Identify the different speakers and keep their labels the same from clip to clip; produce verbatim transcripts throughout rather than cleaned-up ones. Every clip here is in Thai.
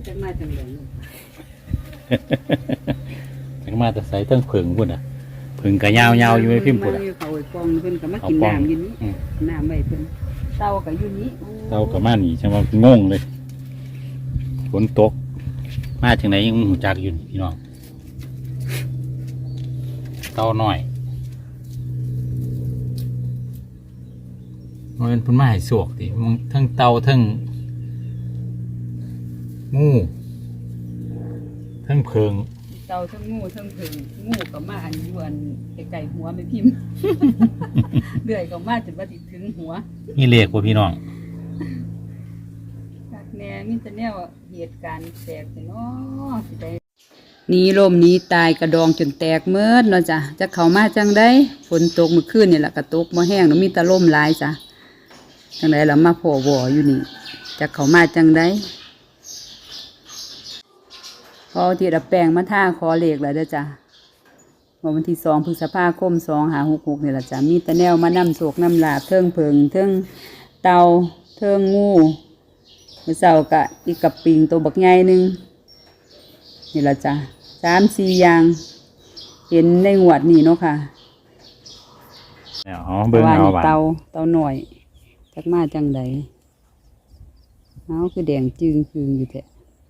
Speaker 1: จังมาจังเลย
Speaker 2: จังมาแต่ใส่เทั้งผึ่งพุ่นอ่ะผึ่งกะยาวๆอยู่ในพิมพ์พุ่นอ่ะ
Speaker 1: เขาไอ้ปองเพิ่นก็มากินน้ำอยู่นี้น้ำไว้เพิ่นเต่าก็อยู่นี้
Speaker 2: เต่าก็มาหนีใช่ไหมงงเลยฝนตกมาถึงไหนยังหูจักอยู่พี่น้องเต่าหน่อยมันเป็นพุ่นไม้สวกดิมันทั้งเต่าทั้งงูทั้งเพิง
Speaker 1: เต่าทั้งงูทั้งเพิงงูก็มาอันยวนไก่หัวไม่พิมพ์เลื่อยก็มาจนว่าติดถึงหัว
Speaker 2: นี่เรียกว่าพี่น้อง
Speaker 1: จากแนวมิตรแนวเหตุการณ์แตกเนาะสิได้นี้ลมนี้ตายกระดองจนแตกเมื่อเนาะจ้ะจะเข้ามาจังได้ฝนตกเมื่อคืนนี่แหละกระตกมาแห้งแล้วมีตะล่มหลายจ้ะจังไดเรามาโผล่บ่ออยู่นี่จะเข้ามาจังได้พอที่ดับแปลงมาท่าคอเหล็กแล้วเด้อจ้ะวันที่สองพฤษภาคมสองหาหกหกนี่แหละจ้ะมีตะแนวมานำโศกนำลาบเทิงเพิงเทิงเตาเทิงงูเมื่อเช้ากะอีกกับปิงตัวบักใหญ่หนึ่งนี่แหละจ้ะสามสี่อย่างเห็นในงวดนี่เนาะค่ะ
Speaker 2: อ๋อเบิ่งเอา
Speaker 1: เตาเตาหน่อยจักมาจังใดเอาคือแดงจึงคืนอยู่แท้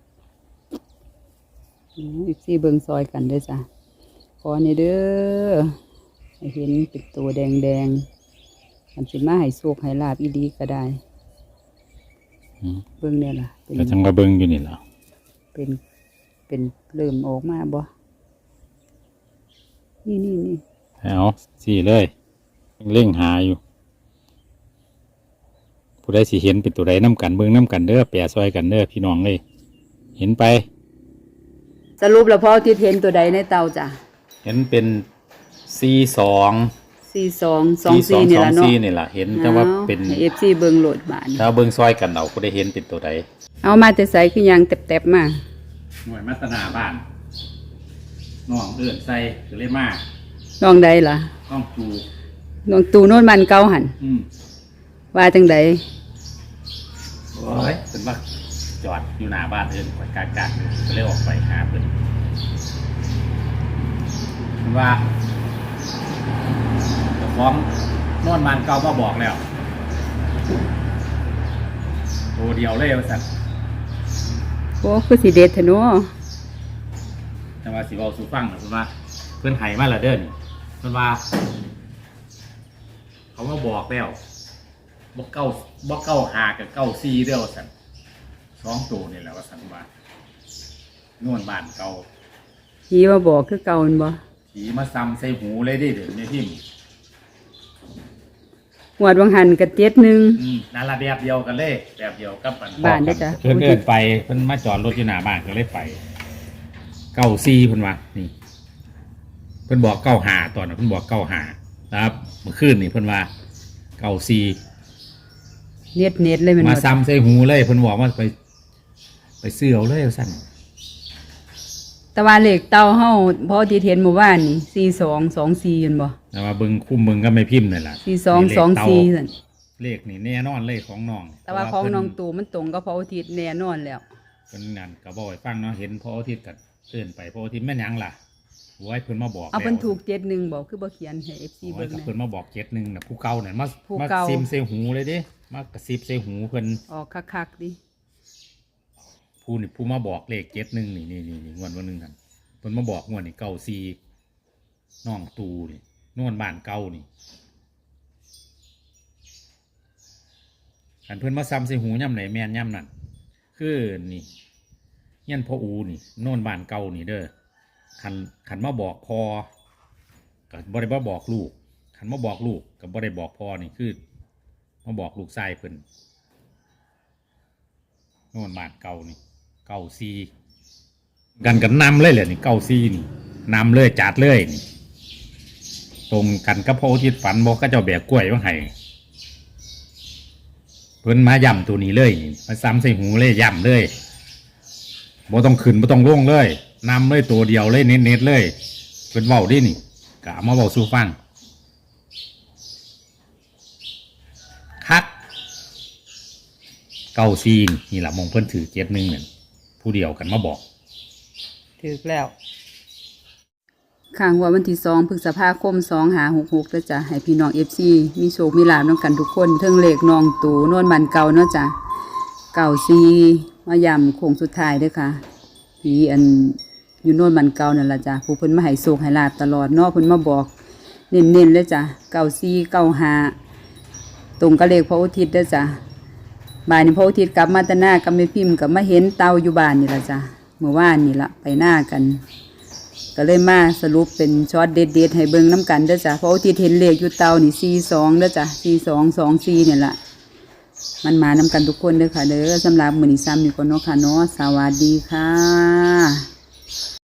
Speaker 1: อีกสี่เบิ่งซอยกันด้วยจ้ะขอนี่เด้อให้เห็นเป็นตัวแดงแดงมันสิมาให้โชคให้ลาบอีดีก็ได้เบิ่งเนี่ยล่ะ
Speaker 2: ก็จังว่าเบิ่งอยู่นี่ล่ะ
Speaker 1: เป็นเป็นเริ่มออกมาบ่นี่นี่นี่
Speaker 2: เอาสี่เลยเร่งหาอยู่ผู้ใดสิเห็นเป็นตัวใดน้ำกันเบิ่งน้ำกันเด้อแปะซอยกันเด้อพี่น้องเลยเห็นไป
Speaker 1: สรุปแล้วพ่อที่เห็นตัวใดในเตาจ้ะ
Speaker 2: เห็นเป็นสี่สอง
Speaker 1: สี่สองสองสี่นี่แหละเนาะ
Speaker 2: สี่นี่แหละเห็นแต่ว่าเป็น
Speaker 1: เอฟซีเบิ่งโหลดบาน
Speaker 2: ถ้าเบิ่งซอยกันเอาผู้ใดเห็นเป็นตัวใด
Speaker 1: เอามาแต่ใส่คือยังแตบๆมา
Speaker 2: หน่วยมัตนาบ้านน้องเอื้อนใส่คือเลยมา
Speaker 1: น้องใดล่ะ
Speaker 2: น้องตู
Speaker 1: น้องตูโน่นมันเก่าหันว่าจังใด
Speaker 2: โอ้ยเป็นว่าจอดอยู่หน้าบ้านเอื้อนกากากก็เลยออกไปหาเพิ่นว่าเจ้าของนอนมันเก่ามาบอกแล้วตัวเดียวเลยว่าสั่น
Speaker 1: โอ้คือสีเด็ดเถอะเนาะ
Speaker 2: แต่ว่าสิเว้าสู่ฟังนะเพิ่นว่าเพิ่นให้มาและเด้อนี่เพิ่นว่าเขามาบอกแล้วบ่เก้าบ่เก้าหากับเก้าสี่เด้อว่าสั่นสองตัวนี่แหละว่าสั่นว่านวลบ้านเก่า
Speaker 1: ผีมาบอกคือเก่าแม่นบ่
Speaker 2: ผีมาซ้ำใส่หูเลยดิเดี๋ยวนี้พิมพ์
Speaker 1: หวดวังหันกับเจ็ดหนึ่ง
Speaker 2: นั่นละแบบเดียวกันเลยแบบเดียวกับ
Speaker 1: บ้านได้จ้ะ
Speaker 2: เพิ่นเดินไปเพิ่นมาจอดรถอยู่หน้าบ้านก็เลยไปเก้าสี่เพิ่นว่านี่เพิ่นบอกเก้าหาตอนนั้นเพิ่นบอกเก้าหาครับเมื่อคืนนี่เพิ่นว่าเก้าสี่
Speaker 1: เน็ตเน็ตเลยมัน
Speaker 2: มาซ้ำใส่หูเลยเพิ่นบอกว่าไปไปซื้อเอาเลยสั่น
Speaker 1: ตะวันเหล็กเตาเฮาพอที่เห็นหมู่บ้านนี่สี่สองสองสี่เห็นบ่
Speaker 2: แต่ว่าเบิ่งคุ้มเบิ่งก็ไม่พิมพ์นั่นล่ะ
Speaker 1: สี่สองสองสี่สั่น
Speaker 2: เลขนี่แน่นอนเลยของน้อง
Speaker 1: แต่ว่าของน้องตู่มันตรงกับพระอาทิตย์แน่นอนแล้ว
Speaker 2: เพิ่นนั่นก็บ่ให้ฟังเนาะเห็นพระอาทิตย์ก็เตือนไปพระอาทิตย์แม่นหยังล่ะโว้ยเพิ่นมาบอก
Speaker 1: เอาเพิ่นถูกเจ็ดหนึ่งบอกคือบ่เขียนให้ เอฟ ซี เบิ่ง
Speaker 2: นะเพิ่นมาบอกเจ็ดหนึ่งน่ะผู้เก่านั่นมามาซิมใส่หูเลยเด้มากระซิบใส่หูเพิ่น
Speaker 1: ออกคักๆดิ
Speaker 2: ผู้นี่ผู้มาบอกเลขเจ็ดหนึ่งนี่นี่นี่งวดวันนึงนั่นเพิ่นมาบอกงวดนี่เก้าสี่น้องตูนี่นวลบ้านเก่านี่อันเพิ่นมาซ้ำใส่หูย่ำไหนแม่นย่ำนั่นคือนี่ยันพ่ออูนี่นวลบ้านเก่านี่เด้อขันขันมาบอกพอกับบ่ได้มาบอกลูกขันมาบอกลูกกับบ่ได้บอกพอนี่คือมาบอกลูกชายเพิ่นนวลบ้านเก่านี่เก้าสี่กันกันนำเลยแหละนี่เก้าซี่นี่นำเลยจัดเลยนี่ตรงกันกับพระอาทิตย์ฝันบอกก็เจ้าแบกกล้วยว่าไห้เพิ่นมาย่ำตัวนี้เลยนี่มาซ้ำใส่หูเลยย่ำเลยบ่ต้องขึ้นบ่ต้องลงเลยนำเลยตัวเดียวเลยเน็ตๆเลยเพิ่นเว้าดินี่กะมาเว้าสู่ฟังคักเก้าซี่นี่แหละมองเพิ่นถือเจ็ดหนึ่งเนี่ยผู้เดียวกันมาบอก
Speaker 1: ถูกแล้วข้างว่าวันที่สองพฤษภาคมสองหาหกหกแล้วจ้ะให้พี่น้องเอฟซีมีโชคมีลาภน้องกันทุกคนเทิงเลขน้องตูนวลบันเก่าเนาะจ้ะเก่าซีมาย่ำโค้งสุดท้ายเด้อค่ะพี่อันอยู่โน่นบันเก่านั่นล่ะจ้ะผู้เพิ่นมาให้โชคให้ลาภตลอดเนาะเพิ่นมาบอกเน้นๆเลยจ้ะเก่าซีเก่าหาตรงกับเลขพระอุทิศเด้อจ้ะบ่ายนี้พระอุทิศกลับมาแตหน้ากับแม่พิมพ์กับมาเห็นเตาอยู่บ้านนี่ล่ะจ้ะเมื่อวานนี่ละไปหน้ากันก็เลยมาสรุปเป็นช็อตเด็ดๆให้เบิ่งน้ำกันเด้อจ้ะเพราะว่าที่เห็นเลขอยู่เตานี่สี่สองเด้อจ้ะสี่สองสองสี่เนี่ยละมันมานำกันทุกคนเด้อค่ะเด้อสำหรับมื้อนี้ซ้ำนี่ก่อนเนาะค่ะเนาะสวัสดีค่ะ